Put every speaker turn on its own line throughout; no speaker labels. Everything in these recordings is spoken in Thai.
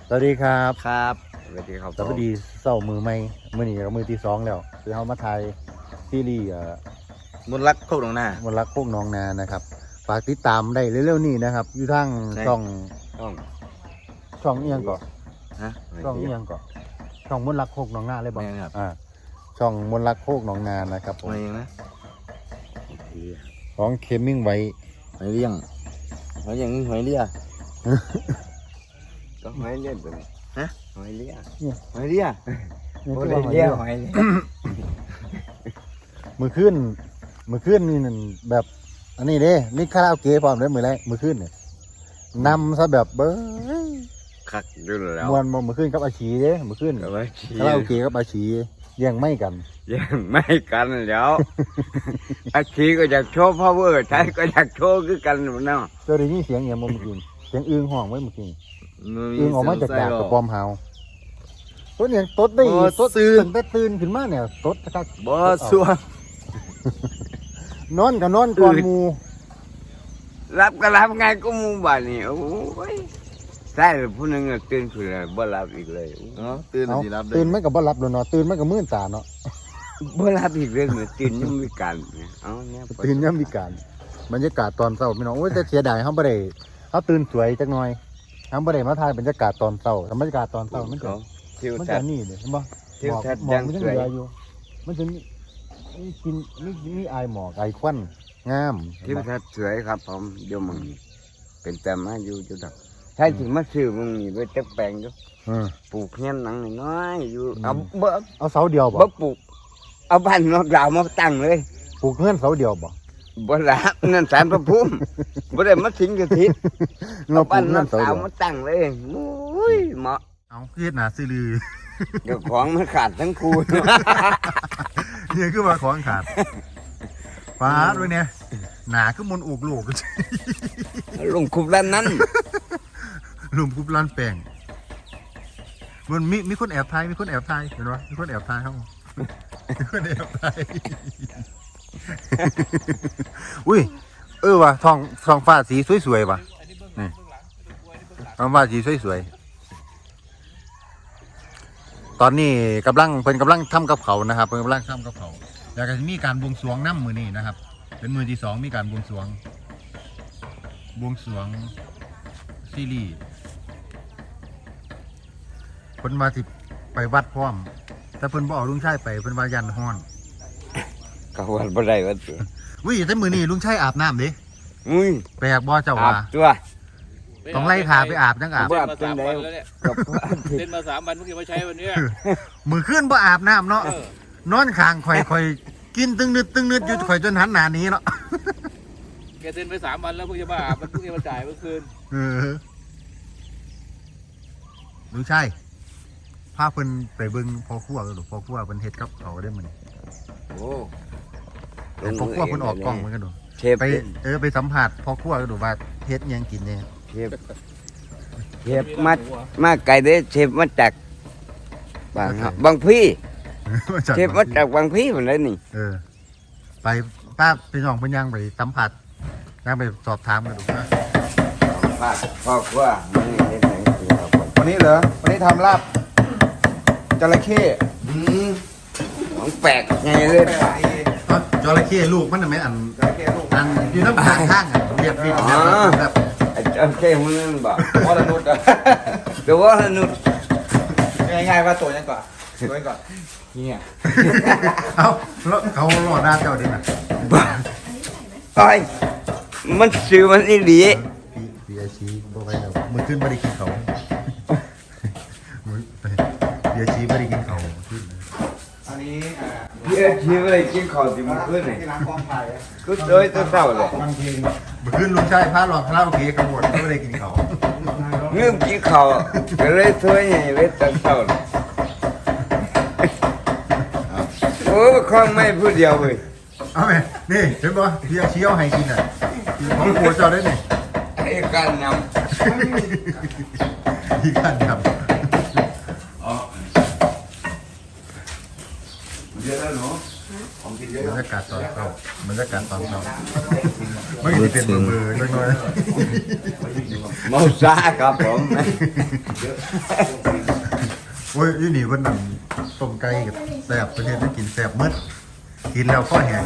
สวัสดีครับ
ครับสวัสดีครับ
สวัสดีเศร้ามือใหม่มือนี้กับมือที่2แล้วคือเขามาถ่ายซีรีส์
มนต์รักโคกหนองนาม
นต์รักโคกน้องนานะครับฝากติดตามได้เร็วๆนี้นะครับอยู่ทาง
ใช่
ช่อง
ต้อง
ช่องเอียงก่อน
ฮะ
ช่องเอียงก่อนช่องมนต์รักโคกน้องนาเลยบอก
ไม่ครับ
ช่องมนต์รักโคกน้องนานะครับผม
ไม่เองนะ
ของเคมมิ่งไว้
หอยเลี้ยงหอยอย่างนี้หอยเลี้ยก็หอยเลี้ยเป็นฮะหอยเลี้ยหอยเลี้ย
นี่
โอ้
คือ
เลี้
ว่าย หอย
เลี้
เลี้
ย
ย
หอยเลี้ย
มือขึ้นนี่นั่นแบบอันนี้เด้นี่คาราโอเกะพร้อมเลยมือแรกมือขึ้นเนี่ยนำซะแบบเบ้ย
คักอยู่แล้ว
มวนบ่มือขึ้นกับอาชีเด้มือขึ้น
ก็ไว้ขี้
คาราโอเกะกับอาชีเลี้ยงไม่กัน
ยังไม่กันแล้ว อาชีก็อยากโชว์พาวเวอร์ใช้ก็อยากโชว์คือกันเนาะ
เจ้าได้ยินเสียงอย่างบ่เมื่อกี้เสียงอึ้งห้องไว้เมื่อกี้อึ้งออกมาจากดากกระปอมเฮาตัวเนี่ยตดได้ตดตื่นแต่ตื่นขึ้นมาเนี่ยตดทัก
บ่สัวน
อนก็นอนก่อนหมู่
รับก็รับไงก็มูบ้านนี่โอ้ยใช่ผู้หนึงก็ตื่นขึ้นแล้วบ่รับอีกเลยเนาะตื่น
เอา
สิรับได้
ตื่นมันก็บ่หลับแล้วเนาะตื่นมันก็มื้นตาเนาะ
บ่รับอีกเลยเหมือนตื่นยังมีการเนี่ยเอาเนี่ย
ตื่นยามวิกาลบรรยากาศตอนเช้าพี่น้องโอ้ยแต่เสียดายเฮาบ่ได้เฮาตื่นสวยจักหน่อยเฮาบ่ได้มาถ่ายบรรยากาศตอนเช้าแต่บรรยากาศตอนเช้ามันจะ
ทิว
มัน
ทั
จะ
ศน์
นี่เด้เห็นบ่
ทิวทัศน์
หมอกมัน
ยั
ยัง ง
สวย
เหลืออยู่มันจะมีกินมีอายหมอกอายควันงาม
ทิวทัศน์สวยครับผมเดี๋ยวมึงเป็นแต่มาอยู่จุดดับใช่ถึงมาซื้อมึงนี่ไปจักแปลงอยู่ ปลูกเฮียนหนังน้อยๆอยู่เอาบ่
เอาเสาเดียวบ่
บ่ปลูกเอาบ้านนอกดาวมาตั้งเลย
ปลูกเงื่อนเสาเดียวบ่
บ่รับนั่นสารพระภูมิบ่ได้มาสิงกฐิน
เรา
เอา
ปลู
บ้าน
ก
น
เงื่
อ
อน
ก
เสา
ดาว
เดียว
มาตั้งเลยโอ้ยเหมาะ
เอาเฮ็ดหน้าซื่อลือ
เดี๋ยวของมันขาดทั้งคู่
เนี่ยคือว่าของขาดฟาดไว้เนี่ยหนาคือมนต์อกลูก
ลงคุบด้านนั้น
ลุมกุบล้านแป้งมันมีคนแอบถ่ายมีคนแอบถ่ายเห็นปะมีคนแอบถ่ายเขามีคนแอบถ่าย อุ้ยว่ะทองฟ้าสีสวยๆว่ะนี่ทองฟ้าสีสวยๆตอนนี้เพิ่นกำลังทำกับเขาวนะครับเพิ่นกำลังทำกับเขาวแล้วก็จะมีการบวงสรวงน้ำมือนี้นะครับ เป็นมือที่2มีการบวงสรวงซีรีส์เพิ่นว่าสิไปวัดพร้อมแต่เพิ่นบ่เอาลุงชายไปเพิ่นว่ายันฮ้อน
ก็ว่าบ่ได้ว่าตัว
อุ้ยแต่มื้อนี้ลุงชายอาบน้ำเด้
อุ้ย
แปลกบ่เจ้า
อา
ว่า
บตัว
ต้องไล่ขาไปอาบจังอาบ
บ่
เต้นมา3 วันแล้วเนี่ย
กับ
เต้นมา3 วันเพิ่งจะมาใช้วันเนี้ย
มื้อคืนบ่อาบน้ำเนาะ
เออน
อนข้างข่อยกินตึงนึดอยู่ข่อยจนหันหน้าหนี้เนาะ
แกเต้นไป3 วันแล้วเพิ่งจะมาอาบมันเพิ่งจะมาจ่ายเมื่อคืน
เออลุงชายพาเพิ่นไปเบิ่งพ่อครัวกันดูพ่อครัวเพิ่นเฮ็ดกับเขาวได้มื้อนี้
โอ้
เห็นพ่อครัวเพิ่นออกกล้องเหมือนกันดู
เชฟ
ไปสัมผัสพ่อครัวกันดูว่าเฮ็ดหยังกินเนี่ย
เชฟมาไกลเด้เชฟมาจากบางพี่เชฟมาจากบางพี่เหมือนเลยนี่
ไปป้าพี่น้องเพิ่นยังไปสัมผัสยังไปสอบถามกันดูนะ
พ่อครัวมันนี่เฮ็ดหยังกินครับผม
วันนี้เหรอ วันนี้ทำลาบจระเข้
ของแปลกไงเลย
แปลกดี
จระเข้ลูกมันน่ะแม่อัน
จระเข้ลูก
อันอยู่น้ำข้างข้างอ่ะเรียบแบบ
ไอ้เจ้าเข้มันนั่นบอก
วรนุชอะ
แต่ว่าสนุก
ง่ายๆว่าตัวยังก่อนตัวยังก่อนเนี่ย
เอ้าแล้วเขาหล่อหน้าเจ้าดิน่ะ
บ้าไอ้มันซื้อมันอีหลี
พี่อาชีบ่ไปแล้วมื้อคืนบ่ได้กินเขาวมื้อพี่อาชีบ่ได้กินเขาวมื้อคืน
อันนี้
พี่เอ็ชีอะไรกินข้าวที่มันขึ้นนี่
ที่ร้านกองถ่ายอะ
ก็โดยตัวเศร้าเลย
บางที
มื้อคืนลุงชายพาหลอกคาราโอเกะกระโดดบ่ได้กินเขาว
เงื่อมกินข้าวก็เลยช่วยใหญ่เลยตัวเศร้าเลยโอ้คล้องไม่พูดเดียวเว้ย
เอาแม่นี่เห็นบ่พี่อาชีเอาให้กินน่ะของผัวเจ้าได้นี่
ไอ้การน
พี่กันครับ
เยอะแล้วเนาะของกิน
บรรยากาศตอนเช้าบรรยากาศตอนเช้าไม่ได้เป็นเบอร์ๆน้อย
เมาซาครับผม
ๆโอ้ยยี่นี่คนนั่งต้มไก่กับแซ่บประเทศได้กินแซ่บมืดกินแล้วก็แห้ง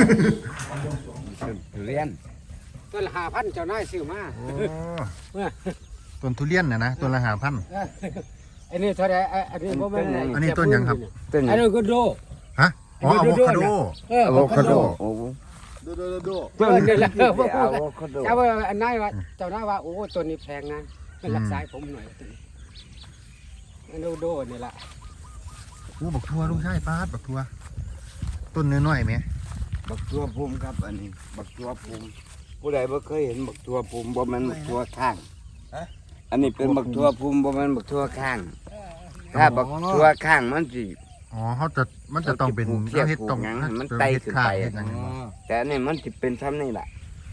เรียน
ต้นละ5,000เจ้านายซื้อมา
โอ้ต้นทุเรียนนะต้นละ5,000
อันนี้เท่าไหร่อันนี้บ่แม่น
อันนี้ต้นหยังครับ
ต้น
อันนี้ก็โด
ฮะอ๋ออะโวคาโด
อะโวคาโดโอ้
ต้นนี่แหละบ่พูด
อะโวคาโด
เจ้าว่าอันนายว่าเจ้านายว่าโอ้ต้นนี้แพงนะเป็นรักษาให้ผมหน่อยต้นนี้อันนี้โดนี่ล่ะ
โอ้บักทัวลุงชายปาดบักทัวต้นน้อยๆไหม
บักตัวภูมิครับอันนี้บักตัวภูมิผู้ใดบ่เคยเห็นบักตัวภูมิบ่แม่นบักตัวข้างอันนี้เป็นบักตัวภูมิบ่แม่นบักตัวข้าง ถ้าบักตัวข้างมันสิ
อ๋อมันจะต้องเป็น
เทียบ
เฮ็ดต้อง
ปลูกหยังให้มัน
เฮ็ด
ไต่ขึ้นไป
เฮ็ดหยัง
แต่อันนี้มันสิเป็นซ้ำนี่แหละ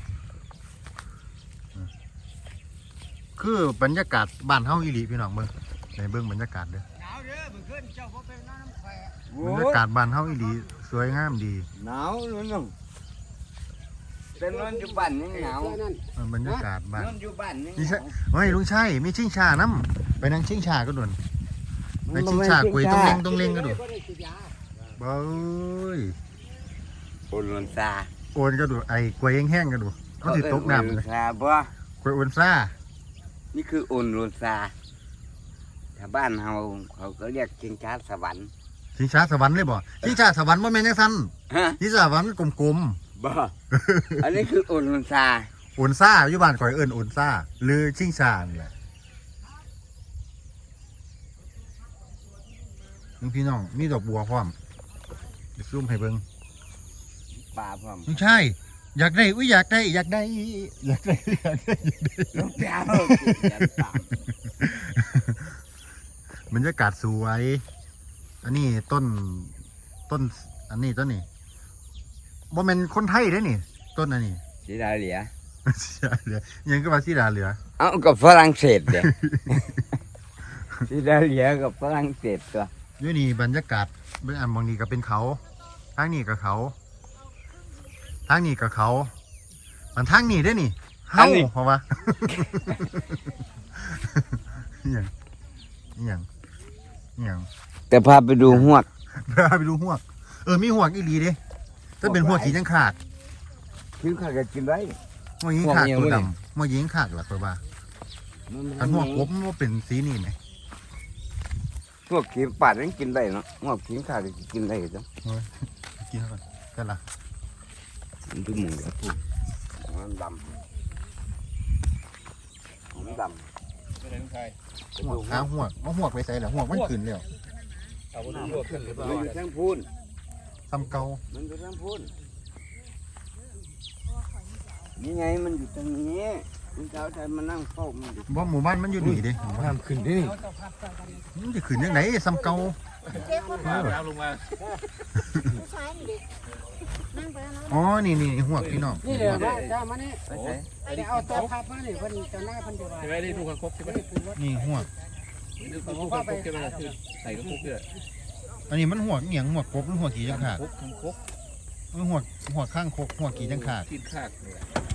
คือบรรยากาศบ้านเฮาอีหลีพี่น้องเบิ่งในเบิ่งบรรยากาศเด้อบรรยากาศบ้านเฮาอีหลีสวยงามดี
หนาวนู่นน่ะแต่นอนอยู่บ้านยังหนาว
บรรยากาศบ้าน
นอนอยู่บ้านยังห
นี่
นา
ใช่
ว
เฮ้ยลุงชัยมีชิงชาน้ำไปนั่งชิงชาก็ด่วนไปชิงชากล้วยต้องเล่งก็ด่วนเบ้ย
โอนลนซา
โอนก็ด่วนไอ้กล้วยแห้งๆก็ด่วนมันสิตกน้ำ
โอ
เลย
ลซาบ่
กล้วยโอนซ่า
นี่คือโอนลนซาถ้าบ้านเฮาเขาก็เรียกชิงช้าสวรรค์
ชิงชาสวรรค์เลยบ่ชิงชาสวรรค์บ่แม่นจังซั่น
ฮะ
ชิงชาสวรรค์กลม
บ่อันนี้คือโอนลนซา
ๆโอนซ่าอยู่บ้านข่อยเอิ้นโอนซ่าหรือชิงชานี่แหละลุงพี่น้องมีดอกบัวพร้อมเดี๋ยวซูมให้เบิ่ง
ป่าพร้อม
ลุงชัยอยากได้อุ้ยอยากได้อยากได้อยากได้อยากได้
ลูกแก้วยันป่า
บรรยากาศสวย อันนี้ต้นอันนี้ต้นนี้บ่แม่นคนไทยเด้นี่ ต้นอันนี้
สีดาเหลีย
สีดาเหลือยังก็ว่าสีดาเหลือ
เอากับฝรั่งเศสเด้ สีดาเหลียกับฝรั่งเศสตัว
อยู่นี่บรรยากาศเบื้องอันบางนี้ก็เป็นเขาทางนี้ก็เขาทางนี้ก็เขามันทางนี้ได้อนี่เฮาเพราะว่า อหย่างอหย่างอหย่าง
แต่พาไปดูหวก
ไปดูหวกมีหวกอีหลีเด้ถ้าเป็นหวกสีจังขาด
คือข้าก็กินได้
หวกยิงขาดตัวดำหวกยิงขาดหลักตัวว่าอันหวกกบมันบ่เป็นสีนี่ไหม
พวกขีมปาดยังกินได้เนาะหวกขีมขาดก็กินได้จ้ะ
กินเข้าไปกันละ
มันดูหมูแล้วพูดมันดำมันดำ
ไม่ได้ลุงชาย
หวกหาหวกเอาหวกไปใส่เหรอหวกมันขึ้นแล้ว
เอาไปดูขึ้นหรือเปล่า
มันอยู่ทั้งพูน
ทำเกา
มันอยู่ทั้งพูนนี่ไงมันอยู่ตรงนี้คุณเช้าใจมานั่งเฝ้ามันอยู่
บ่หมู่บ้านมันอยู่นี่เด้หมู่บ้าน
ขึ้นที่นี่
มันจะขึ้นยังไงซ้ำเกา
เอาลงมา
อ๋อนี่หวกพี่น้อง
นี่เดี๋ยวมาเจ้ามานี่
ไปไหน
เดี๋ยวเอาตัวพับมานี่เพิ่นเจ้านายเพิ่นจะว่า
ใช่ไหมได้ดูคังคกใช่ไหม
นี่หวก
ดูคังคกใช่ไหมคือใส่คังคกด้วย
อันนี้มันหวกเหียงหวกกบหรือหวกกี่จังขาด
คังคก
มันหวกข้างคกหวกกี่จังขาด
กินข้าว